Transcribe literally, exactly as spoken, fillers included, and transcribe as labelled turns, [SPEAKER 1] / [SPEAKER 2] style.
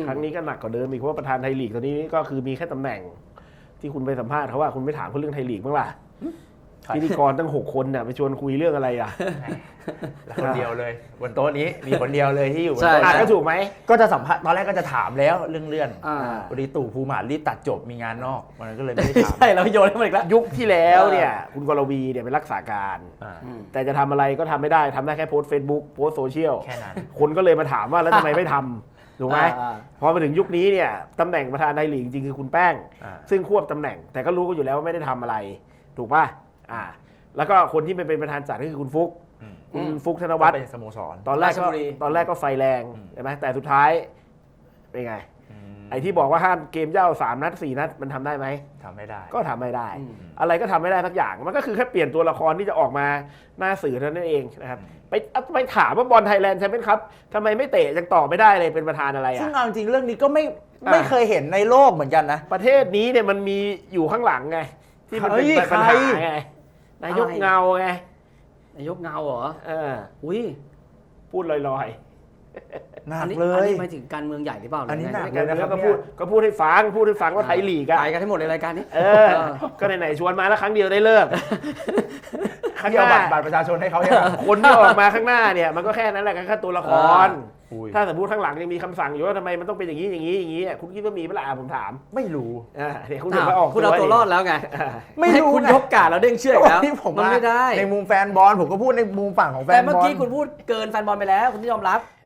[SPEAKER 1] ครั้งนี้ก็หนักกว่าเดิมอีกเพราะว่าประธานไทยลีกตอนนี้ก็คือมีแค่ตำแหน่งที่คุณไปสัมภาษณ์เขาว่าคุณไม่ถามเขาเรื่องไทยลีกบ้างล่ะพิธีกรตั้งหกคนน่ะไปชวนคุยเรื่องอะไรอ่ะ
[SPEAKER 2] แล้วคนเดียวเลยบนโต๊ะนี้มีคนเดียวเลยที่อยู่บน
[SPEAKER 1] ใช่
[SPEAKER 2] โต๊ะ
[SPEAKER 1] ก็ถูกไหม
[SPEAKER 2] ก็จะสัมภาษณ์ตอนแรกก็จะถามแล้วเรื่องเลื่อน
[SPEAKER 3] อ่า
[SPEAKER 2] พอดีตู่ภูมิหารีบตัดจบมีงานนอกมันก็เลยไม่ได้ถาม
[SPEAKER 3] ใช่เราโยนให้มันอีกแล้ว
[SPEAKER 1] ยุคที่แล้วเนี่ยคุณกรวีเนี่ยเป็นรักษาการ
[SPEAKER 2] อ่า
[SPEAKER 1] แต่จะทำอะไรก็ทำไม่ได้ทำได้แค่โพสต์เฟซบุ๊กโพสต์โซเชียล
[SPEAKER 2] แค่นั้น
[SPEAKER 1] คนก็เลยมาถามว่าแล้วทำไมไม่ทำถูกไหม
[SPEAKER 3] อ่า
[SPEAKER 1] พอมาถึงยุคนี้เนี่ยตำแหน่งประธานไทยลีกจริงๆคือคุณแป้ง
[SPEAKER 2] อ่า
[SPEAKER 1] ซึ่งควบตำแหน่งแต่ก็รู้กันอยู่แล้วว่าไม่ได้ทำอะไร ถูกป่ะอ่าแล้วก็คนที่เป็นประธานจัดก็คือคุณฟุก
[SPEAKER 2] อืม
[SPEAKER 1] คุณ
[SPEAKER 3] อืม
[SPEAKER 1] ฟุกธน
[SPEAKER 2] วั
[SPEAKER 1] วั
[SPEAKER 2] ด
[SPEAKER 1] ฒน์
[SPEAKER 2] เป็นสโมสร
[SPEAKER 1] ตอนแรก
[SPEAKER 3] ราช
[SPEAKER 1] ก็
[SPEAKER 3] บุรี
[SPEAKER 1] ตอนแรกก็ไฟแรง
[SPEAKER 2] อืม
[SPEAKER 1] ใช่ไหมแต่สุดท้ายเป็นไง
[SPEAKER 2] อืม
[SPEAKER 1] ไอ้ที่บอกว่าห้ามเกมเย่าสามนัดสี่นัดมันทำได้ไหม
[SPEAKER 2] ทำไม่ได้
[SPEAKER 1] ก็ทำไม่ได้
[SPEAKER 3] อืม
[SPEAKER 1] อะไรก็ทำไม่ได้สักอย่างมันก็คือแค่เปลี่ยนตัวละครที่จะออกมาหน้าสื่อเท่านั้นเองนะครับไปไปถามว่าบอลไทยแลนด์แชมเปี้ยนคัพทำไมไม่เตะยังต่อไม่ได้เลยเป็นประธานอะไร
[SPEAKER 2] ซึ่ง
[SPEAKER 1] อ่ะ
[SPEAKER 2] เอาจริงๆเรื่องนี้ก็ไม่
[SPEAKER 1] อ่า
[SPEAKER 2] ไม่เคยเห็นในโลกเหมือนกันนะ
[SPEAKER 1] ประเทศนี้เนี่ยมันมีอยู่ข้างหลังไงที่มันเป็น
[SPEAKER 2] เฮ้ย
[SPEAKER 1] ปัญ
[SPEAKER 2] ใคร
[SPEAKER 1] หาไงนายก
[SPEAKER 3] อะไร
[SPEAKER 1] เงาไง
[SPEAKER 3] นายกเงาเหรอ
[SPEAKER 1] เออ
[SPEAKER 3] อุ้ย
[SPEAKER 1] พูดลอย
[SPEAKER 2] หนั
[SPEAKER 3] อั
[SPEAKER 2] ก
[SPEAKER 3] นี้
[SPEAKER 2] เล
[SPEAKER 3] อัน
[SPEAKER 2] ย
[SPEAKER 3] นี้หมายถึงการเมืองใหญ่หรือเปล่า
[SPEAKER 2] อันนี้
[SPEAKER 3] หรื
[SPEAKER 2] หนั
[SPEAKER 3] ไง
[SPEAKER 2] ก
[SPEAKER 1] ๆ
[SPEAKER 2] เลยนะครับ
[SPEAKER 1] ก็พูดก็พูดให้ฟังพูดให้ฟังว่าไทยลีกอะ
[SPEAKER 3] ไปกันให้หมดในรายการนี้
[SPEAKER 1] เออ ก็ไหนๆชวนมาแล้วครั้งเดียวได้เลิกข้าง
[SPEAKER 2] ที่
[SPEAKER 1] ห
[SPEAKER 2] เอา
[SPEAKER 1] น้า
[SPEAKER 2] บัตรบัตรประชาชนให้เขาใช่ไหม
[SPEAKER 1] คนที่ออกมาข้างหน้าเนี่ยมันก็แค่นั้นแหละแค่ตัวละคร
[SPEAKER 2] อุ้ย
[SPEAKER 1] ถ้าสมมติข้างหลังยังมีคำสั่งอยู่ว่าทำไมมันต้องเป็นอย่างนี้อย่างนี้อย่างนี้อ่ะคุณคิดว่ามีเปล่าผมถาม
[SPEAKER 2] ไม่รู้
[SPEAKER 1] อ่าเนี่ยคุณถึงมาออก
[SPEAKER 3] คุณเอาตัวรอดแล้วไง
[SPEAKER 1] อ่า
[SPEAKER 2] ไม่รู้
[SPEAKER 3] ให้คุณ
[SPEAKER 2] ไง
[SPEAKER 3] ยกกาดแล้วเด้งเชือกแล้ว
[SPEAKER 2] ที่ผม
[SPEAKER 3] มันไม่ได้
[SPEAKER 2] ในมุมแฟนบอลผมก็พูดในมุมฝั่งของแฟ
[SPEAKER 3] แต่
[SPEAKER 2] นบอล
[SPEAKER 3] เมื่อกี้คุณพูดเกินแฟนบอลไปแล้วคุณที่ยอมรับ